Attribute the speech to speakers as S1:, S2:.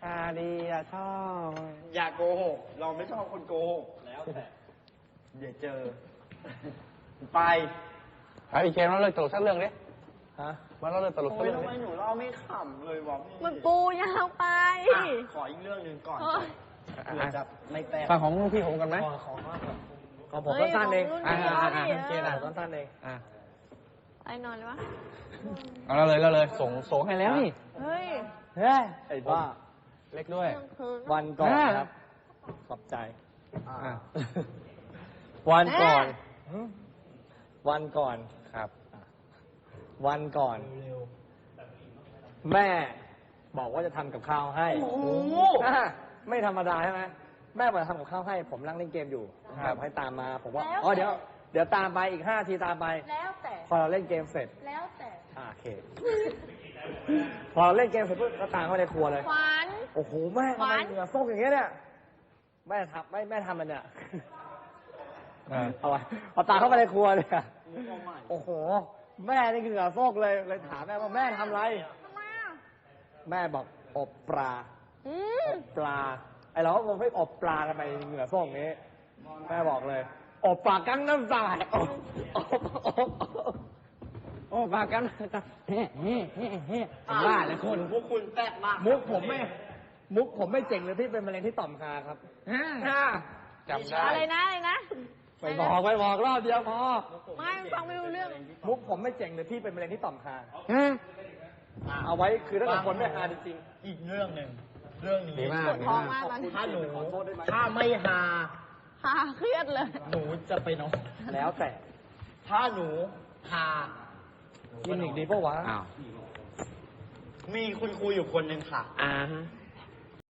S1: าดีอะชอบ
S2: อย่าโกหก เราไม่ชอบคนโกหก แล้วแต่เดี๋ยวเจอ ไป
S1: ไอ้เคนเราเลยตลกสักเรื่องดิ
S2: ฮะ
S1: มันเราเลยตลกสัก
S2: โอ้ย
S1: เรื่อง
S2: ทำไม
S1: ดิ
S2: หนูเล่าไม่ขำเลยวะพี่
S3: มันปูยาวไป
S2: อ่ะขออีกเรื่องหนึ่งก่อน
S3: เฮ้ย
S2: เผื่อจะไม่แตก
S1: ฟังของพี่ผมกันไหม
S2: ของผมก็สั้นเอง
S3: เฮ้ยของรุ่นพี่
S2: เกณฑ์ก็สั้นเอง
S1: อ่ะ
S3: ไอ้นอนเลยวะ
S1: เอาเราเลยส่งให้แล้วนี่
S3: เฮ้ย
S2: เฮ้ยไอ้บ้า
S1: เล็กด้วย
S3: เที่ยงคืน
S2: วันก่อน
S1: อ่า
S2: ครับ ขอบใจ
S1: อ่ะ
S2: วันก่อน
S3: แม่
S2: วันก่อน
S1: ครับ
S2: วันก่อน แม่บอกว่าจะทำกับข้าวให้อ่ะไม่ธรรมดาใช่ไหมแม่บอกจะทำกับข้าวให้ ผมนั่งเล่นเกมอยู่แบบให้ตามมา ผมว่าอ๋อเดี๋ยวตามไปอีก5 ทีตามไป
S3: แล้วแต่
S2: พอเราเล่นเกมเสร็จ
S3: แล้วแต่
S2: โอเค พอเราเล่นเกมเสร็จปุ๊บก็ตามเข้าไปในครัวเลย
S3: ขวัญ
S2: โอ้โหแม่ทำไม
S3: หวาน
S2: เหงื่อโซกอย่างเงี้ยเนี่ยแม่ทำมันเนี่ย
S1: อ่า
S2: เอาไว้พอตามเข้าไปในครัวเนี่ยโอ้โห แม่นี่เหงื่อโซกเลยถามแม่ว่าแม่ทำอะไร
S3: ทำไมอ่ะ
S2: แม่บอกอบปลา
S3: อืม
S2: อบปลาไอเราก็งงให้อบปลาทำไมเหงื่อโซกอย่างนี้ แม่บอกเลยอบปลากั้งน้ำตาลอบปลากั้งน้ำตาลผมว่าเลยคน
S4: พวกคุณแปลกมาก
S2: มุกผมไม่เจ๋งเลยที่เป็นมะเร็งที่ต่อมคาครับ
S1: จำได้
S3: อะไรนะอะไรนะ
S2: ไปบอกรอบเดียวพอ
S3: ไม่ฟังไม่รู้เรื่อง
S2: มุกผมไม่เจ๋งเลยที่เป็นมะเร็งที่ต่อมคาเอาไว้คือถ้าเกิดคนไม่ฮาจริง
S4: อีกเรื่องหนึ่ง เรื่องนี้
S1: ดีมาก
S3: ปวดท้องมากตอนนี้
S4: ถ้าหนู ถ้าไม่ฮา
S3: ฮ่าเครียดเลย
S4: หนูจะไปนอน
S2: ๆแล้วแต่
S4: ถ้าหนูฮา
S2: กินอีกดีปะวะ
S1: อ้าว
S4: มีคุณครูอยู่คนหนึ่งค่ะ
S1: อ่าฮะ